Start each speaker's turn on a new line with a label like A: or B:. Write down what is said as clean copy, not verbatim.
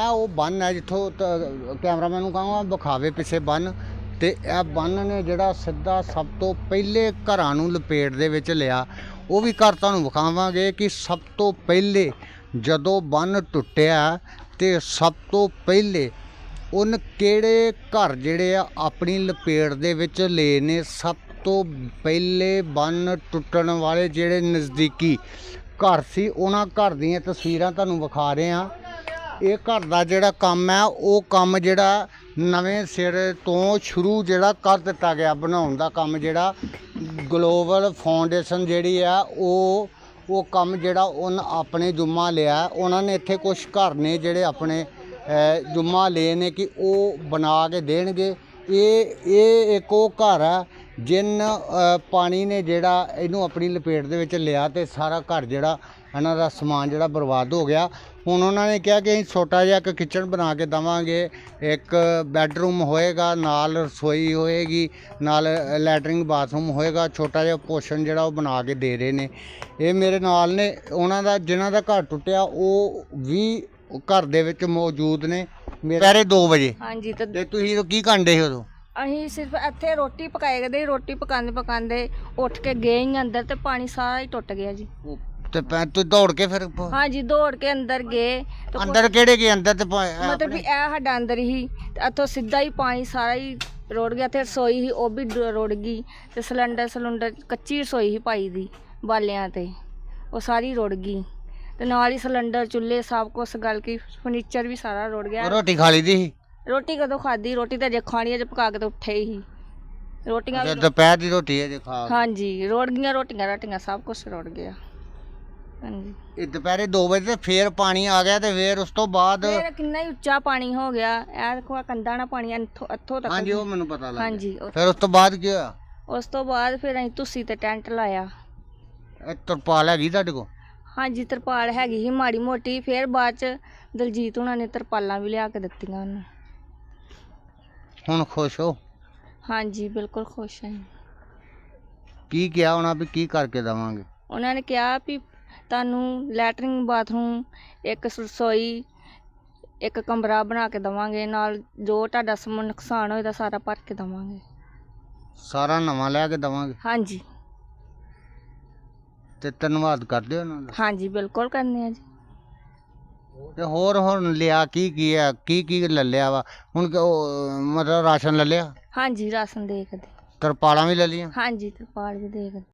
A: ਉਹ ਬੰਨ ਹੈ ਜਿੱਥੋਂ ਕੈਮਰਾਮੈਨ ਨੂੰ ਕਹਾਂਗਾ ਵਿਖਾਵੇ ਪਿੱਛੇ ਬੰਨ। ਤੇ ਇਹ ਬੰਨ ਨੇ ਜਿਹੜਾ ਸਿੱਧਾ ਸਭ ਤੋਂ ਪਹਿਲੇ ਘਰਾਂ ਨੂੰ ਲਪੇਟ ਦੇ ਵਿੱਚ ਲਿਆ। ਉਹ ਵੀ ਘਰ ਤੁਹਾਨੂੰ ਵਿਖਾਵਾਂਗੇ ਕਿ ਸਭ ਤੋਂ ਪਹਿਲੇ ਜਦੋਂ ਬੰਨ ਟੁੱਟਿਆ ਤੇ ਸਭ ਤੋਂ ਪਹਿਲੇ ਉਹਨ ਕਿਹੜੇ ਘਰ ਜਿਹੜੇ ਆ ਆਪਣੀ ਲਪੇਟ ਦੇ ਵਿੱਚ ਲਏ ਨੇ। ਸਭ ਤੋਂ ਪਹਿਲੇ ਬੰਨ ਟੁੱਟਣ ਵਾਲੇ ਜਿਹੜੇ ਨਜ਼ਦੀਕੀ ਘਰ ਸੀ ਉਹਨਾਂ ਘਰ ਦੀਆਂ ਤਸਵੀਰਾਂ ਤੁਹਾਨੂੰ ਵਿਖਾ ਰਹੇ ਹਾਂ। ਇਹ ਘਰ ਦਾ ਜਿਹੜਾ ਕੰਮ ਹੈ ਉਹ ਕੰਮ ਜਿਹੜਾ ਨਵੇਂ ਸਿਰ ਤੋਂ ਸ਼ੁਰੂ ਜਿਹੜਾ ਕਰ ਦਿੱਤਾ ਗਿਆ ਬਣਾਉਣ ਦਾ ਕੰਮ ਜਿਹੜਾ ਗਲੋਬਲ ਫਾਊਂਡੇਸ਼ਨ ਜਿਹੜੀ ਆ ਉਹ ਕੰਮ ਜਿਹੜਾ ਉਹਨ ਆਪਣੇ ਜੁਮਾ ਲਿਆ। ਉਹਨਾਂ ਨੇ ਇੱਥੇ ਕੁਝ ਘਰ ਨੇ ਜਿਹੜੇ ਆਪਣੇ ਜੁਮਾ ਲਏ ਨੇ ਕਿ ਉਹ ਬਣਾ ਕੇ ਦੇਣਗੇ। ਇਹ ਇੱਕ ਉਹ ਘਰ ਆ ਜਿਨ ਪਾਣੀ ਨੇ ਜਿਹੜਾ ਇਹਨੂੰ ਆਪਣੀ ਲਪੇਟ ਦੇ ਵਿੱਚ ਲਿਆ ਤੇ ਸਾਰਾ ਘਰ ਜਿਹੜਾ ਇਹਨਾਂ ਦਾ ਸਮਾਨ ਜਿਹੜਾ ਬਰਬਾਦ ਹੋ ਗਿਆ। ਹੁਣ ਉਹਨਾਂ ਨੇ ਕਿਹਾ ਕਿ ਅਸੀਂ ਛੋਟਾ ਜਿਹਾ ਇੱਕ ਕਿਚਨ ਬਣਾ ਕੇ ਦੇਵਾਂਗੇ, ਇੱਕ ਬੈਡਰੂਮ ਹੋਏਗਾ, ਨਾਲ ਰਸੋਈ ਹੋਏਗੀ, ਨਾਲ ਲੈਟਰਿੰਗ ਬਾਥਰੂਮ ਹੋਏਗਾ, ਛੋਟਾ ਜਿਹਾ ਪੋਰਸ਼ਨ ਜਿਹੜਾ ਉਹ ਬਣਾ ਕੇ ਦੇ ਰਹੇ ਨੇ। ਇਹ ਮੇਰੇ ਨਾਲ ਨੇ ਉਹਨਾਂ ਦਾ ਜਿਨ੍ਹਾਂ ਦਾ ਘਰ ਟੁੱਟਿਆ ਉਹ ਵੀ ਘਰ ਦੇ ਵਿੱਚ ਮੌਜੂਦ ਨੇ। ਦੁਪਹਿਰੇ 2 ਵਜੇ
B: ਹਾਂਜੀ।
A: ਤੇ ਤੁਸੀਂ ਕੀ ਕਰਦੇ ਸੀ ਉਦੋਂ?
B: ਅਸੀਂ ਸਿਰਫ ਇੱਥੇ ਰੋਟੀ ਪਕਾਏ ਕਰਦੇ, ਰੋਟੀ ਪਕਾਉਂਦੇ ਉੱਠ ਕੇ ਗਏ ਹੀ ਅੰਦਰ ਤੇ ਪਾਣੀ ਸਾਰਾ ਹੀ ਟੁੱਟ ਗਿਆ ਜੀ।
A: ਤੇ ਤੁਸੀਂ ਦੌੜ ਕੇ ਫਿਰ?
B: ਹਾਂਜੀ, ਦੌੜ ਕੇ ਅੰਦਰ ਗਏ।
A: ਅੰਦਰ ਕਿਹੜੇ ਗਏ? ਅੰਦਰ ਤੇ
B: ਮਤਲਬ ਵੀ ਇਹ ਸਾਡਾ ਅੰਦਰ ਹੀ ਤੇ ਇੱਥੋਂ ਸਿੱਧਾ ਹੀ ਪਾਣੀ ਸਾਰਾ ਹੀ ਰੁੜ ਗਿਆ। ਤੇ ਰਸੋਈ ਸੀ ਉਹ ਵੀ ਰੁੜ ਗਈ ਤੇ ਸਿਲੰਡਰ ਕੱਚੀ ਰਸੋਈ ਸੀ ਪਾਈ ਦੀ ਬਾਲਿਆਂ ਤੇ, ਉਹ ਸਾਰੀ ਰੁੜ ਗਈ। ਤੇ ਨਾਲ ਹੀ ਸਿਲੰਡਰ ਚੁੱਲ੍ਹੇ ਸਭ ਕੁਛ ਗਲ ਕੇ ਫਰਨੀਚਰ ਵੀ ਸਾਰਾ ਰੁੜ ਗਿਆ।
A: ਰੋਟੀ ਖਾ ਲਈ ਦੀ ਸੀ?
B: ਰੋਟੀ ਕਦੋਂ ਖਾਧੀ? ਰੋਟੀ ਤਾਂ ਅਜੇ ਖਾਣੀ, ਅਜੇ ਪਕਾ ਕੇ ਤਾਂ ਉੱਠੇ ਹੀ ਰੋਟੀਆਂ ਵੀ।
A: ਦੁਪਹਿਰ ਦੀ ਰੋਟੀ ਅਜੇ ਖਾ?
B: ਹਾਂਜੀ, ਰੁੜ ਗਈਆਂ ਰੋਟੀਆਂ ਸਭ ਕੁਛ ਰੁੜ ਗਿਆ। ਹਾਂਜੀ।
A: ਇਹ ਦੁਪਹਿਰੇ 2 ਵਜੇ ਤੇ ਫੇਰ ਪਾਣੀ ਆ ਗਿਆ ਤੇ ਫੇਰ ਉਸ ਤੋਂ ਬਾਅਦ
B: ਫੇਰ ਕਿੰਨਾ ਹੀ ਉੱਚਾ ਪਾਣੀ ਹੋ ਗਿਆ। ਇਹ ਦੇਖੋ ਕੰਧਾਂ ਨਾਲ ਪਾਣੀ ਇੱਥੋਂ ਤੱਕ।
A: ਹਾਂਜੀ, ਉਹ ਮੈਨੂੰ ਪਤਾ ਲੱਗ ਗਿਆ।
B: ਹਾਂਜੀ।
A: ਫਿਰ ਉਸ ਤੋਂ ਬਾਅਦ ਕੀ ਹੋਇਆ?
B: ਉਸ ਤੋਂ ਬਾਅਦ ਫਿਰ ਅਸੀਂ ਤੁਸੀਂ ਤੇ ਟੈਂਟ ਲਾਇਆ।
A: ਇਹ ਤਰਪਾਲ ਹੈਗੀ ਤੁਹਾਡੇ ਕੋਲ?
B: ਹਾਂਜੀ, ਤਰਪਾਲ ਹੈਗੀ ਸੀ ਮਾੜੀ ਮੋਟੀ। ਫਿਰ ਬਾਅਦ ਚ ਦਲਜੀਤ ਹੁਣਾਂ ਨੇ ਤਰਪਾਲਾਂ ਵੀ ਲਿਆ ਕੇ ਦਿੱਤੀਆਂ ਉਹਨੂੰ।
A: ਹੁਣ ਖੁਸ਼ ਹੋ? ਹਾਂਜੀ,
B: ਬਿਲਕੁਲ ਖੁਸ਼ ਹਾਂ।
A: ਕੀ ਕਿਹਾ ਉਹਨਾਂ ਵੀ ਕੀ ਕਰਕੇ ਦੇਵਾਂਗੇ?
B: ਉਹਨਾਂ ਨੇ ਕਿਹਾ ਵੀ ਤੁਹਾਨੂੰ ਲੈਟਰਿੰਗ ਬਾਥਰੂਮ, ਇੱਕ ਰਸੋਈ, ਇੱਕ ਕਮਰਾ ਬਣਾ ਕੇ ਦੇਵਾਂਗੇ, ਨਾਲ ਜੋ ਤੁਹਾਡਾ ਨੁਕਸਾਨ ਹੋਏਗਾ ਸਾਰਾ ਭਰ ਕੇ ਦੇਵਾਂਗੇ।
A: ਸਾਰਾ ਨਵਾਂ ਲੈ ਕੇ ਦੇਵਾਂਗੇ?
B: ਹਾਂਜੀ।
A: ਤੇ ਧੰਨਵਾਦ ਕਰਦੇ ਹੋ ਉਹਨਾਂ ਦਾ? ਹਾਂਜੀ,
B: ਬਿਲਕੁਲ ਕਰਨੇ ਆ ਜੀ।
A: ਤੇ ਹੋਰ ਹੁਣ ਲਿਆ ਕੀ ਹੈ? ਕੀ ਲੈ ਲਿਆ ਵਾ ਹੁਣ? ਮਤਲਬ ਰਾਸ਼ਨ ਲੈ ਲਿਆ?
B: ਹਾਂਜੀ, ਰਾਸ਼ਨ ਦੇ ਕੇ।
A: ਤਰਪਾਲਾਂ ਵੀ ਲੈ ਲਈਆਂ?
B: ਹਾਂਜੀ, ਤਰਪਾਲ ਵੀ ਦੇ ਕੇ।